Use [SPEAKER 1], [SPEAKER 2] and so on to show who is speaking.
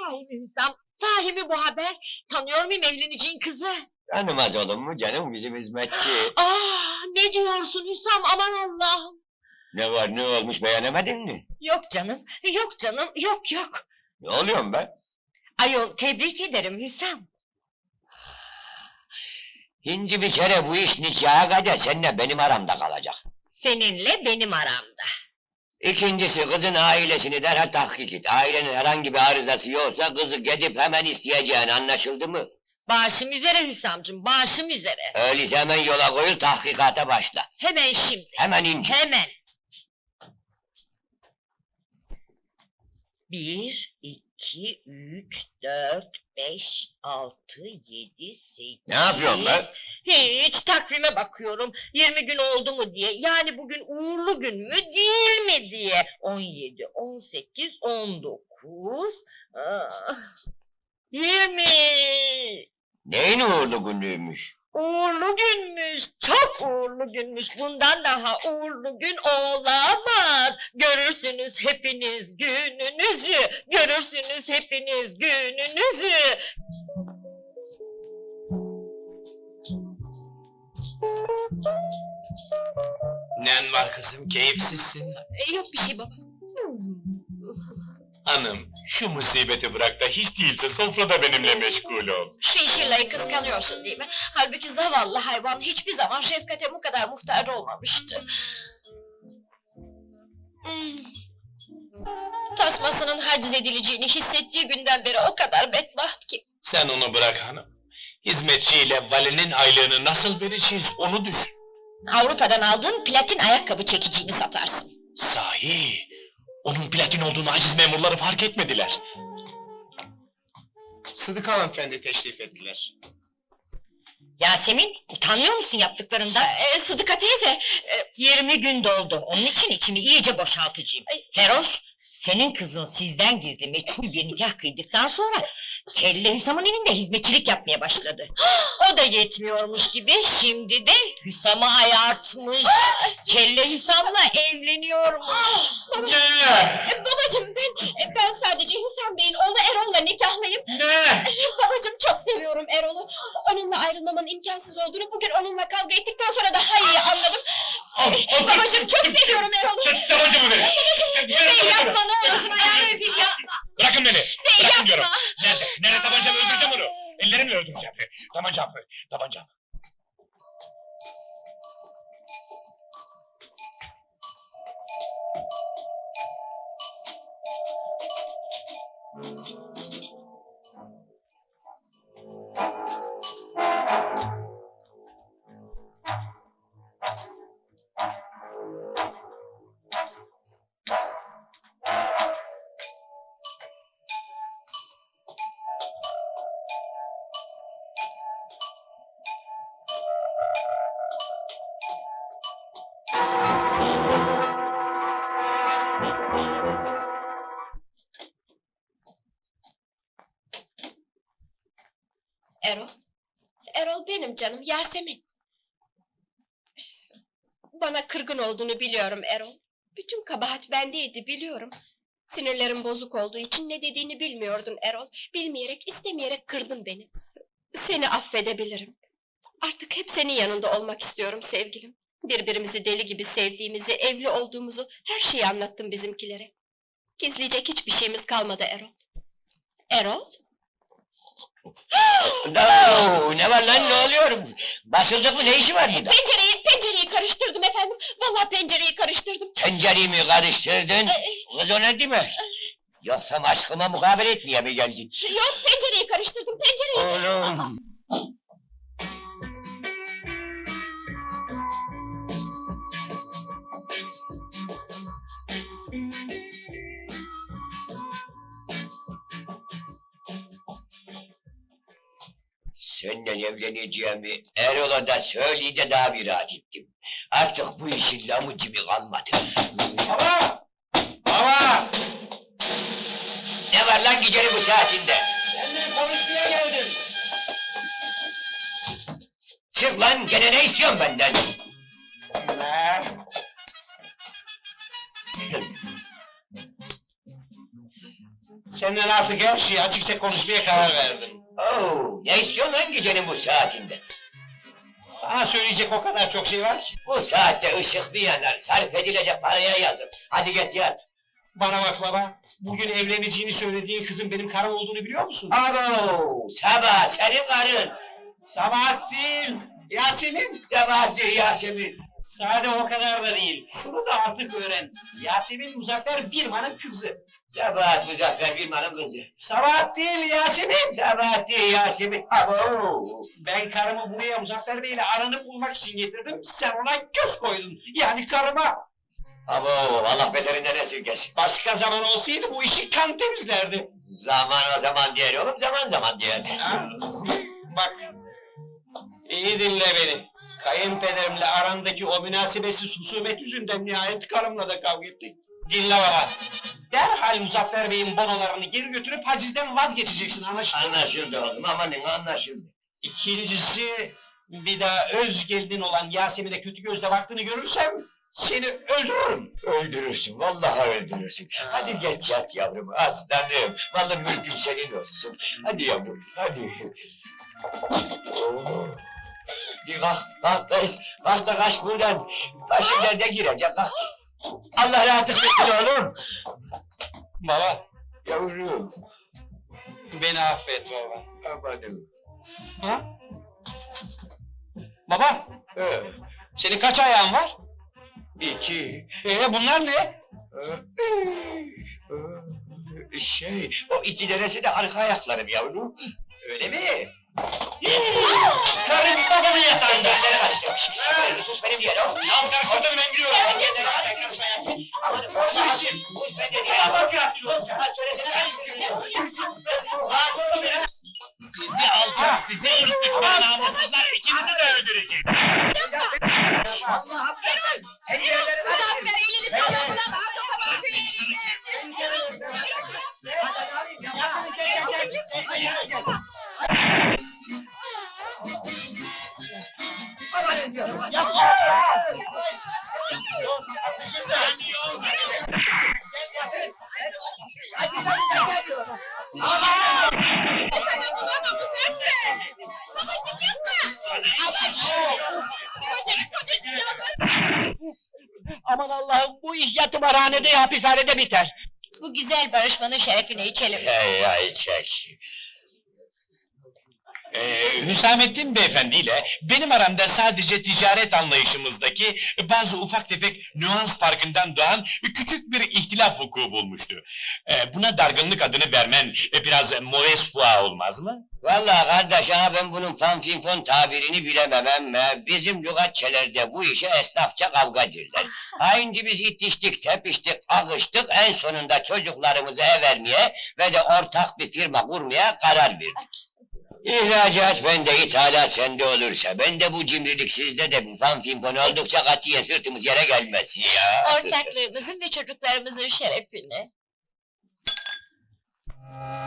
[SPEAKER 1] Sahi mi Hüsam? Sahi mi bu haber? Tanıyor muyum evleneceğin kızı?
[SPEAKER 2] Tanımaz olur mu canım, bizim hizmetçi.
[SPEAKER 1] Ne diyorsun Hüsam, aman Allah'ım!
[SPEAKER 2] Ne var, ne olmuş, beğenemedin mi?
[SPEAKER 1] Yok canım, yok canım, yok yok!
[SPEAKER 2] Ne oluyorum ben?
[SPEAKER 1] Ayol, tebrik ederim Hüsam!
[SPEAKER 2] Hinci bir kere bu iş nikaha kadar seninle benim aramda kalacak.
[SPEAKER 1] Seninle benim aramda.
[SPEAKER 2] İkincisi, kızın ailesini derhal tahkik et. Ailenin herhangi bir arızası yoksa kızı gidip hemen isteyeceğin, anlaşıldı mı?
[SPEAKER 1] Başım üzere Hüsamcığım, başım üzere!
[SPEAKER 2] Öyleyse hemen yola koyul, tahkikata başla.
[SPEAKER 1] Hemen şimdi!
[SPEAKER 2] Hemen ince.
[SPEAKER 1] Hemen! 1, 2, 3, 4, 5, 6, 7, 8...
[SPEAKER 2] Ne yapıyorsun be?
[SPEAKER 1] Hiç, takvime bakıyorum. 20 gün oldu mu diye. Yani bugün uğurlu gün mü, değil mi diye. 17, 18, 19... 20...
[SPEAKER 2] Neyin uğurlu günlüğüymüş?
[SPEAKER 1] Uğurlu günmüş, çok uğurlu günmüş. Bundan daha uğurlu gün olamaz. Görürsünüz hepiniz gününüzü. Görürsünüz hepiniz gününüzü.
[SPEAKER 3] Nen var kızım, keyifsizsin.
[SPEAKER 1] Yok bir şey baba.
[SPEAKER 3] Hanım, şu musibeti bırak da hiç değilse sofrada benimle meşgul ol.
[SPEAKER 4] Şu işirlayı kıskanıyorsun değil mi? Halbuki zavallı hayvan hiçbir zaman şefkate bu kadar muhtaç olmamıştı. Tasmasının haciz edileceğini hissettiği günden beri o kadar bedbaht ki.
[SPEAKER 3] Sen onu bırak hanım. Hizmetçiyle valinin aylığını nasıl vereceğiz onu düşün.
[SPEAKER 4] Avrupa'dan aldığın platin ayakkabı çekiciğini satarsın.
[SPEAKER 3] Sahi, onun platin olduğunu aciz memurları fark etmediler.
[SPEAKER 5] Sıdıka hanımefendi teşrif ettiler.
[SPEAKER 1] Yasemin, utanmıyor musun yaptıklarından? Sıdıka teyze, 20 gün doldu. Onun için içimi iyice boşaltacağım. Feroş, senin kızın sizden gizli meçhul bir nikah kıydıktan sonra... ...Kelle Hüsam'ın evinde hizmetçilik yapmaya başladı. O da yetmiyormuş gibi, şimdi de Hüsam'ı ayartmış. Kelle Hüsam'la evleniyormuş.
[SPEAKER 4] Babacığım ben sadece Hüsam Bey'in oğlu Erol'la nikahlıyım.
[SPEAKER 3] Ne?
[SPEAKER 4] Babacığım çok seviyorum Erol'u. Onunla ayrılmamın imkansız olduğunu bugün onunla kavga ettikten sonra daha iyi anladım. Babacığım çok seviyorum Erol'u.
[SPEAKER 3] Tabancamı verin!
[SPEAKER 4] Bey yapma ne olursun ayağını öpeyim yapma.
[SPEAKER 3] Bırakın beni!
[SPEAKER 4] Bey
[SPEAKER 3] Bırakın
[SPEAKER 4] yapma.
[SPEAKER 3] diyorum! Nerede? Nerede tabancamı öldüreceğim onu! Ellerimle öldüreceğim! Tabancamı! Tabancamı!
[SPEAKER 4] Erol benim canım, Yasemin. Bana kırgın olduğunu biliyorum Erol. Bütün kabahat bendeydi biliyorum. Sinirlerim bozuk olduğu için ne dediğini bilmiyordun Erol. Bilmeyerek, istemeyerek kırdın beni. Seni affedebilirim. Artık hep senin yanında olmak istiyorum sevgilim. Birbirimizi deli gibi sevdiğimizi, evli olduğumuzu, her şeyi anlattım bizimkilere. Gizleyecek hiçbir şeyimiz kalmadı Erol. Erol?
[SPEAKER 2] No, ne var lan, ne oluyor? Basıldık mı, ne işi var burada?
[SPEAKER 4] Pencereyi karıştırdım efendim. Vallahi pencereyi karıştırdım.
[SPEAKER 2] Tencereyi mi karıştırdın? Kız o ne demek? Yoksa aşkıma mukabele etmeye mi geldin?
[SPEAKER 4] Yok pencereyi karıştırdım, pencereyi.
[SPEAKER 2] Oğlum! Senden evleneceğimi Erol'a da söyleyince daha bir rahat ettim. Artık bu işin lamıcımı kalmadı.
[SPEAKER 3] Baba! Baba!
[SPEAKER 2] Ne var lan gecenin bu saatinde?
[SPEAKER 3] Seninle konuşmaya geldim.
[SPEAKER 2] Çık lan, gene ne istiyorsun benden?
[SPEAKER 3] Seninle artık her şeyi açıkça konuşmaya karar verdim.
[SPEAKER 2] Oo, ne istiyorsun lan gecenin bu saatinde?
[SPEAKER 3] Sana söyleyecek o kadar çok şey var ki.
[SPEAKER 2] Bu saatte ışık bir yanar, sarf edilecek paraya yazık. Hadi git yat.
[SPEAKER 3] Bana bak baba, bugün evleneceğini söylediğin kızın benim karım olduğunu biliyor musun?
[SPEAKER 2] Abo, sabah senin karın.
[SPEAKER 3] Sabahat değil, Yasemin.
[SPEAKER 2] Sabah değil Yasemin.
[SPEAKER 3] Sade o kadar da değil. Şunu da artık öğren. Yasemin Muzaffer Birman'ın kızı.
[SPEAKER 2] Sabah Muzaffer Bilman'ın kızı.
[SPEAKER 3] Sabahat değil Yasemin.
[SPEAKER 2] Sabah değil Yasemin. Abo.
[SPEAKER 3] Ben karımı buraya Muzaffer Bey'le aranı bulmak için getirdim. Sen ona göz koydun. Yani karıma.
[SPEAKER 2] Abo, Allah beterinden esirgesin.
[SPEAKER 3] Başka zaman olsaydı bu işi kan temizlerdi.
[SPEAKER 2] Zaman o zaman diğer oğlum, zaman zaman diğer.
[SPEAKER 3] Ha? Bak, iyi dinle beni. Kayınpederimle arandaki o münasebetsiz husumet yüzünden nihayet karımla da kavga ettik. Dinle baba. Derhal Muzaffer Bey'in bonolarını geri götürüp hacizden vazgeçeceksin, anlaşıldı mı?
[SPEAKER 2] Anlaşıldı oğlum, amanın anlaşıldı.
[SPEAKER 3] İkincisi, bir daha öz gelinin olan Yasemin'e kötü gözle baktığını görürsem seni öldürürüm.
[SPEAKER 2] Öldürürsün, vallahi öldürürsün. Hadi geç yat yavrum, aslanım. Vallahi mülküm senin olsun. Hadi yavrum, hadi. Oo. Bir kalk kız, kalk da kaç buradan. Başın derde girecek, kalk. Allah rahatlık versin oğlum.
[SPEAKER 3] Baba,
[SPEAKER 2] Yavrum,
[SPEAKER 3] beni affet baba.
[SPEAKER 2] amanım.
[SPEAKER 3] Ha? Baba,
[SPEAKER 2] Ee,
[SPEAKER 3] senin kaç ayağın var?
[SPEAKER 2] 2.
[SPEAKER 3] Bunlar ne?
[SPEAKER 2] O 2 tanesi de arka ayaklarım yavrum.
[SPEAKER 3] Öyle mi?
[SPEAKER 2] Karım babamın yatağında. Elleri karıştırmış. Sus benim yerim.
[SPEAKER 3] Ya karıştırdın ben biliyorum.
[SPEAKER 2] Sen karışma Yasemin. Aman vallahi sus ben de diye. Aman sen söylesene karıştırayım.
[SPEAKER 3] Sizi alçak, sizi ırk düşmanı namussuzlar, ikinizi de öldürecek.
[SPEAKER 2] Allah'ım zaten. Her yerleri
[SPEAKER 4] Muzaffer elini kolunu bırak.
[SPEAKER 3] Aman Allah'ım, bu iş ya tımarhanede ya hapishanede biter.
[SPEAKER 1] Bu güzel barışmanın şerefine içelim.
[SPEAKER 2] Hey çek.
[SPEAKER 3] Hüsamettin beyefendiyle benim aramda sadece ticaret anlayışımızdaki bazı ufak tefek nüans farkından doğan küçük bir ihtilaf vuku bulmuştu. Buna dargınlık adını vermen biraz mauvaise foi olmaz mı?
[SPEAKER 2] Vallahi kardeş ha ben bunun fanfinfon tabirini bilemem ama bizim lügatçelerde bu işe esnafça kavga derler. Hainci biz itiştik, tepiştik, akıştık en sonunda çocuklarımızı ev vermeye ve de ortak bir firma kurmaya karar verdik. İhracat bende, ithalat sende olursa, ben de bu cimrilik sizde de bu fanfinfon oldukça katiye sırtımız yere gelmesin ya.
[SPEAKER 1] Ortaklığımızın ve çocuklarımızın şerefine.